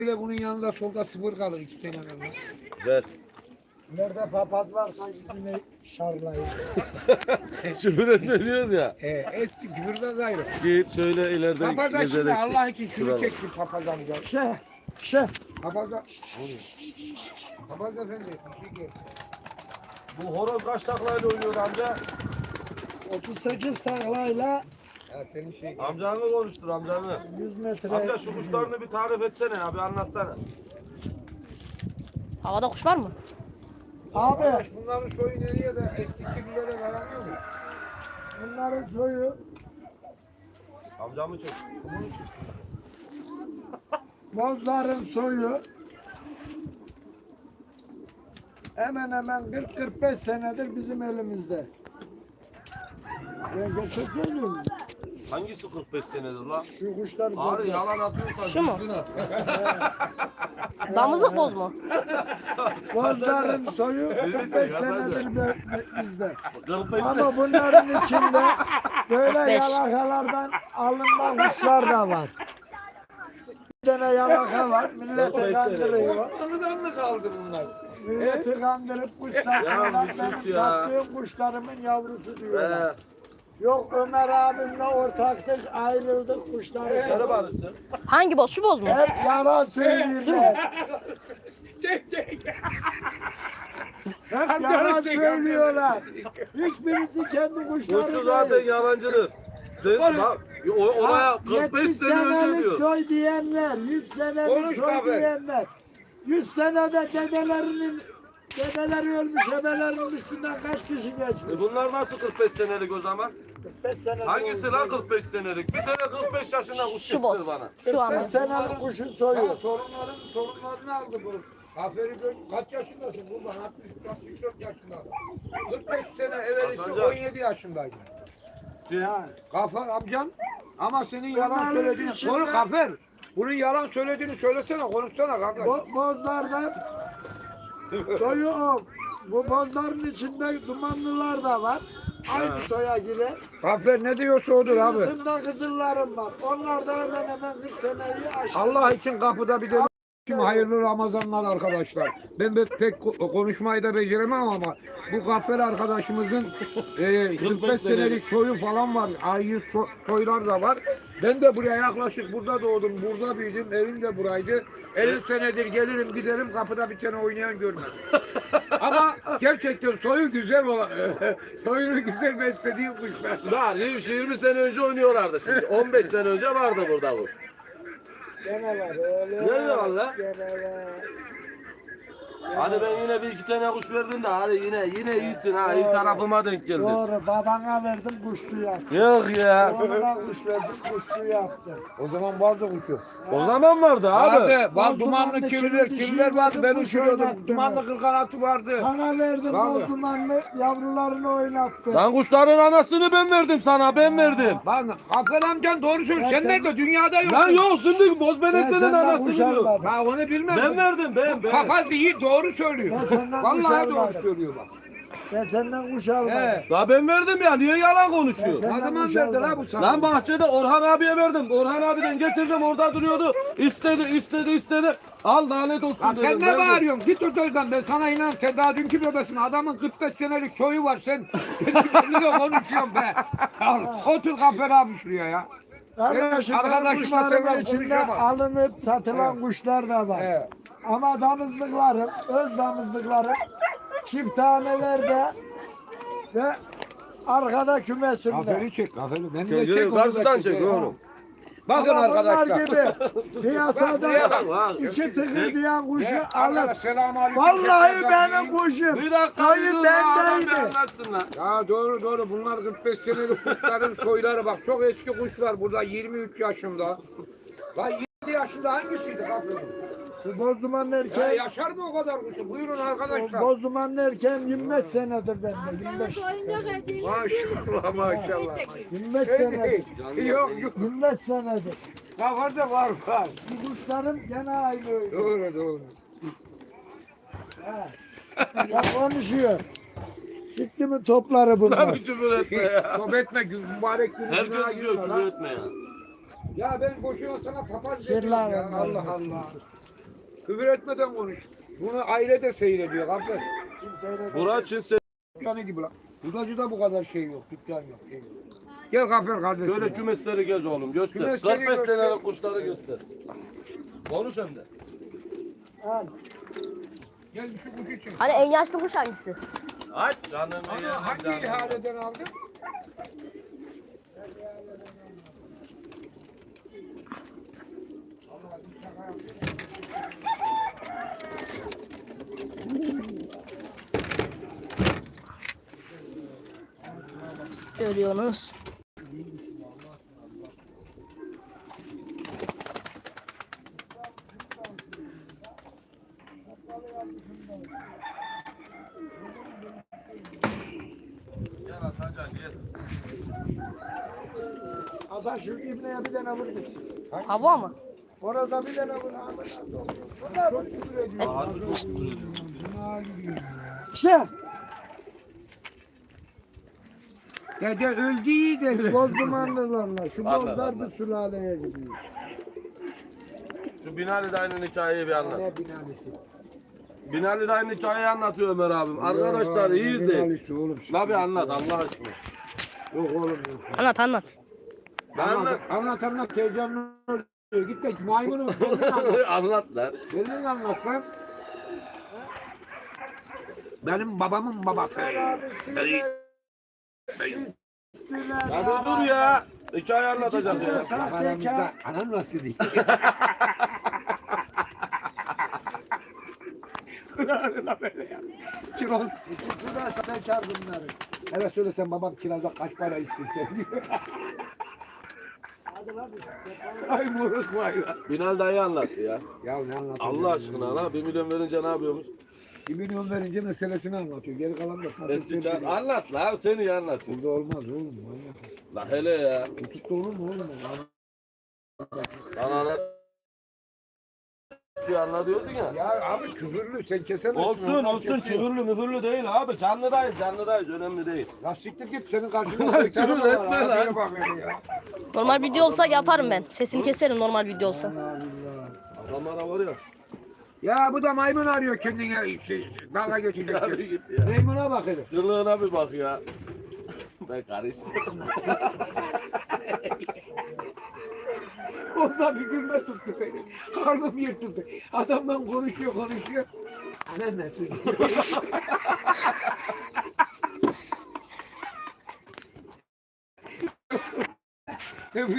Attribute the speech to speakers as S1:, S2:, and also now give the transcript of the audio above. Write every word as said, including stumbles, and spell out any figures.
S1: ile bunun yanında solda sıfır kalır iki tane kalır.
S2: Ver.
S3: Nerede papaz varsa yine şarlayın.
S2: Küfür etme diyoruz ya.
S1: He, eski küfürden gayrı.
S2: Git şöyle ileride
S1: Papaz şimdi
S2: gezerek
S1: Allah için şunu
S2: şuralar.
S1: çeksin papaz amca.
S3: Şeh, şeh.
S1: Papaz Papaz efendi. bir şey gel.
S2: Bu horoz kaç taklayla oynuyor amca?
S3: otuz sekiz taklayla
S1: Ya senin şey.
S2: Amcanı konuştur amcanı.
S3: yüz metre.
S2: Amca şu kuşlarını bir tarif etsene abi anlatsana.
S4: Havada kuş var mı?
S3: Abi
S1: Arkadaş bunların soyu nereye de eski kirlilere dayanıyor mu?
S3: bunların soyu
S2: Amcamı çek.
S3: bozların soyu hemen hemen kırk kırk beş senedir bizim elimizde. Ben gerçek söylüyorum.
S2: Hangisi kırk beş senedir lan?
S3: Şu kuşlar
S2: Abi
S3: bozlar.
S2: yalan atıyorsan
S4: Şu mu?
S2: düzgün at.
S4: Damızlık boz mu?
S3: Bozların soyu
S2: Bizi
S3: kırk beş
S2: çek, Hasan
S3: senedir be- be- bizde.
S2: kırk beş
S3: Ama bunların içinde böyle
S4: Beş.
S3: yalakalardan alınan kuşlar da var. Bir tane yalaka var, milleti kandırıyor.
S1: Anıdan mı kaldı bunlar?
S3: Milleti kandırıp kuş
S2: Ya
S3: satıyorlar.
S2: bir
S3: Ben
S2: sus ya.
S3: sattığım kuşlarımın yavrusu diyorlar.
S2: Ee,
S3: Yok Ömer abimle ortaktık, ayrıldık kuşları.
S2: sarı barışsın.
S4: Hangi boz? Şu boz mu?
S3: Hep yalan söylüyorlar.
S1: Çek çek.
S3: Hep
S1: Amcanı
S3: yalan
S1: çek,
S3: söylüyorlar. Hiçbirisi kendi kuşları
S2: Kuşçu zaten
S3: değil.
S2: yalancıdır. Sen bak o- oraya kırk beş
S3: yetmiş
S2: sene önce
S3: senelik
S2: diyor.
S3: soy diyenler, yüz senelik
S1: Konuş
S3: soy
S1: abi.
S3: diyenler. yüz senede dedelerinin dedeleri ölmüş, ebelerinin üstünden kaç kişi geçmiş?
S2: E bunlar nasıl kırk beş senelik o zaman?
S3: kırk beş senelik
S2: Hangisi
S3: oldu.
S2: lan kırk beş senelik? Bir tane kırk beş yaşında kuş
S4: Şu boz.
S2: getir bana.
S4: Şu an.
S3: kırk beş senelik kuşun
S1: Ya
S3: soyu.
S1: torunların torunlarını aldı bu. Aferin gör- kaç yaşındasın buradan? altmış altmış dört yaşında. kırk beş sene evvelisi
S2: Hasancan.
S1: on yedi yaşındaydı.
S3: Ha.
S1: Kafer amcan ama senin yalan
S3: Bunların
S1: söylediğini
S3: içinde-
S1: konu Kafer. Bunun yalan söylediğini söylesene, konuşsana kardeş.
S3: Bo bozlardan soyu o. Bu bozların içinde dumanlılar da var. Aynı soya girer.
S1: Kafer ne diyorsa odur abi.
S3: Kızımda kızıllarım var. Onlar da hemen hemen kırk seneyi aşkın.
S1: Allah için kapıda bir de Şimdi hayırlı Ramazanlar arkadaşlar. Ben de pek ko- konuşmayı da beceremem ama bu Gaffer arkadaşımızın e, kırk beş senelik soyu falan var. Ayı so soylar da var. Ben de buraya yaklaşık burada doğdum, burada büyüdüm. Evim de buraydı. elli senedir gelirim giderim kapıda bir tane oynayan görmedim. Ama gerçekten soyu güzel olan, soyunu güzel beslediği kuşlar.
S2: Var yirmi sene önce oynuyorlardı şimdi. on beş sene önce vardı burada kuş.
S3: Gene var öyle.
S2: Nerede var lan?
S3: Gene var.
S2: Hadi ben yine bir iki tane kuş verdim de hadi yine yine iyisin ha. İyi tarafıma denk geldin.
S3: Doğru babana verdim kuşçu yaptı.
S2: Yok ya.
S3: Oğluna kuş verdim kuşçu yaptı.
S1: O zaman vardı kuşu.
S2: O zaman vardı abi.
S1: Vardı. Bak
S3: Boz
S1: dumanlı
S3: dumanlı
S1: kirliler,
S3: kirli
S1: kirliler vardı. Ben
S3: kuş
S1: uçuruyordum.
S3: oynattı.
S1: Dumanlı kırkanatı vardı.
S3: Sana verdim
S1: Vallahi.
S3: boz dumanlı yavrularını oynattı.
S2: Lan kuşların anasını ben verdim sana ben verdim.
S1: Lan Gaffer amcan doğru söylüyor.
S3: Ya
S1: Sen
S3: sen-
S1: nerede? Dünyada yok.
S2: Lan yok şimdi bozbeneklerin
S3: senden
S2: anasını
S3: kuş
S2: diyor.
S3: almadım.
S1: Ben onu bilmem.
S2: Ben verdim ben ben.
S1: Papaz iyi doğru söylüyor.
S3: Ben senden kuş
S1: Vallahi doğru
S3: almadım.
S1: söylüyor bak.
S3: Ben senden kuş almadım.
S1: He.
S2: La ben verdim ya niye yalan konuşuyor?
S3: Ben-
S1: Ne zaman
S3: kuş
S1: verdi la
S3: almadım.
S1: bu sana?
S2: Lan bahçede Orhan abiye verdim. Orhan abiden getirdim orada duruyordu. İstedi istedi istedi. Al lanet olsun
S1: Lan
S2: dedim.
S1: sen ne
S2: verdim.
S1: bağırıyorsun? Git oradan ben sana inan. Sen daha dünkü bebesin. Adamın kırk beş senelik soyu var. Sen kendine konuşuyorsun be. Al, otur Gaffer abi şuraya ya.
S3: Arkadaşım
S1: Evet,
S3: benim
S1: arkadaşıma
S3: kuşlarımın
S1: selam
S3: içinde
S1: konuşamam.
S3: alınıp satılan
S1: Evet.
S3: kuşlar da var.
S1: Evet.
S3: Ama damızlıklarım, öz damızlıklarım çift tanelerde ve arkada kümesimde.
S1: Gaffer'i çek. Gaffer'i. Beni de
S2: Çek,
S1: çek.
S2: yürü,
S1: onu da
S2: karşıdan çek
S1: ha.
S2: oğlum.
S1: Bakın
S3: Ama bunlar
S1: arkadaşlar.
S3: gibi piyasada
S2: Bak, bak.
S3: iki tıkır diyen kuşu
S1: Ya,
S3: alır.
S1: selamünaleyküm.
S3: Vallahi
S1: Tekrar
S3: benim kuşum.
S2: Bir dakika
S3: Sayı
S2: bir dur adam bir
S3: bendeydi.
S2: anlatsın lan.
S1: Ya doğru doğru bunlar kırk beş senelik kuşların soyları bak çok eski kuşlar burada yirmi üç yaşında. Lan yedi yaşında hangisiydi Gaffer'in?
S3: Bu bozdumanın
S1: Ya
S3: erkeği,
S1: yaşar mı o kadar kuşu? Buyurun
S3: o
S1: arkadaşlar.
S3: bozdumanın erkeği yirmi beş senedir bende. yirmi beş.
S1: Maşallah maşallah.
S3: yirmi beş
S1: Şey
S3: senedir.
S1: değil. Yok yok.
S3: yirmi beş senedir.
S1: Gaffer'de var var.
S3: Bu kuşlarım gene aynı öyle.
S1: Doğru doğru.
S3: Ha. Ya konuşuyor. Sikti mi topları bunlar?
S2: Lan bir küfür etme ya.
S1: Top etme gün- mübarek günü günaha
S2: Herkes diyor
S1: girme
S2: küfür
S1: lan.
S2: etme ya.
S1: Ya ben boşuna sana papaz dedim
S3: Sırlar
S1: ya.
S3: onlar,
S1: Allah
S3: hepsi
S1: Allah.
S3: sır.
S1: Küfür etmeden konuş. Bunu aile de seyrediyor Gaffer.
S3: Kimseyle
S2: Burak Çinse.
S1: Dükkanı gibi lan. Budacıda bu kadar şey yok. Dükkan yok. Şey yok. Gel Gaffer kardeşim.
S2: Şöyle kümesleri gez oğlum göster.
S1: Kümesleri
S2: kırk beş
S1: göster.
S2: senelik kuşları göster. Konuş hem de.
S3: al.
S1: Gel şu kutu çek.
S4: Hani en yaşlı kuş hangisi?
S2: Aç canım.
S1: Ama hangi ihaleden aldın?
S4: Görüyorsunuz.
S2: Gel Hasancan gel.
S3: Hasan şu ibneye bir tane vur gitsin.
S4: Hava mı?
S3: Orada bir tane vur. Bunlar vur küfür ediyor.
S2: Harbi çok küfür ediyor.
S3: Şey,
S1: Dede öldü iyi derler.
S3: boz dumanlılarla şu
S2: Anladım,
S3: bozlar
S2: anladım.
S3: bir sülaleye gidiyor.
S2: Şu Binali dayının hikayeyi bir anlat.
S3: Ne binalisi?
S2: Binali dayının hikayeyi anlatıyor Ömer abim. Arkadaşlar iyi izleyin.
S1: Binalisi oğlum.
S2: La bir anlat Allah aşkına.
S1: Yok oğlum yok.
S4: Anlat anlat.
S2: Ben
S1: Anlat
S2: anlat.
S1: anlat anlat heyecanlı oluyor. Git de maymunu kendin anlat.
S2: anlat lan.
S1: Kendin anlat lan. Benim babamın babası.
S3: Abisiyle üstüne
S2: Ya dur ya. Hikaye anlatacağım
S3: İkisi de
S2: ya.
S3: sahtekar.
S1: Aramızda anan nasıl değil? Kiraz.
S3: İkisi de sahtekar bunları.
S1: Evet söyle sen babam kiraza kaç para istiyorsun diyor.
S3: Hadi lan.
S1: Ay moruk vay lan.
S2: Binali dayı anlattı ya.
S1: Ya ne anlatıyor?
S2: Allah aşkına la bir milyon verince ne yapıyormuş?
S1: Bir milyon verince meselesini anlatıyor. Geri kalan da satın
S2: Eski çağ... Anlat la seni iyi anlat.
S1: Burada olmaz oğlum. Manyak.
S2: La hele ya.
S1: Tutukta olur mu oğlum?
S2: Lan anlat. Anla diyordun ya.
S1: Ya abi küfürlü sen kesemezsin.
S2: Olsun
S1: Onlar
S2: olsun
S1: kesiyor.
S2: küfürlü müfürlü değil abi. Canlıdayız canlıdayız önemli değil.
S1: Ya siktir git senin karşında.
S2: Lan
S1: bir tane
S2: küfür
S1: var,
S2: etme
S1: abiye
S2: lan.
S1: bak hele ya.
S4: Normal video olsa yaparım ben. Sesini keserim normal video olsa.
S1: Allah Allah.
S2: Adamlara var ya.
S1: Ya bu da maymun arıyor kendine şey, dalga geçecek.
S2: Abi git ya.
S1: Maymuna bak hele.
S2: Kılığına bir bak ya. Ben karı istiyorum.
S1: Ondan bir gülme tuttu beni. Karnım yırtıldı. Adamdan konuşuyor konuşuyor. Anan nasıl diyor.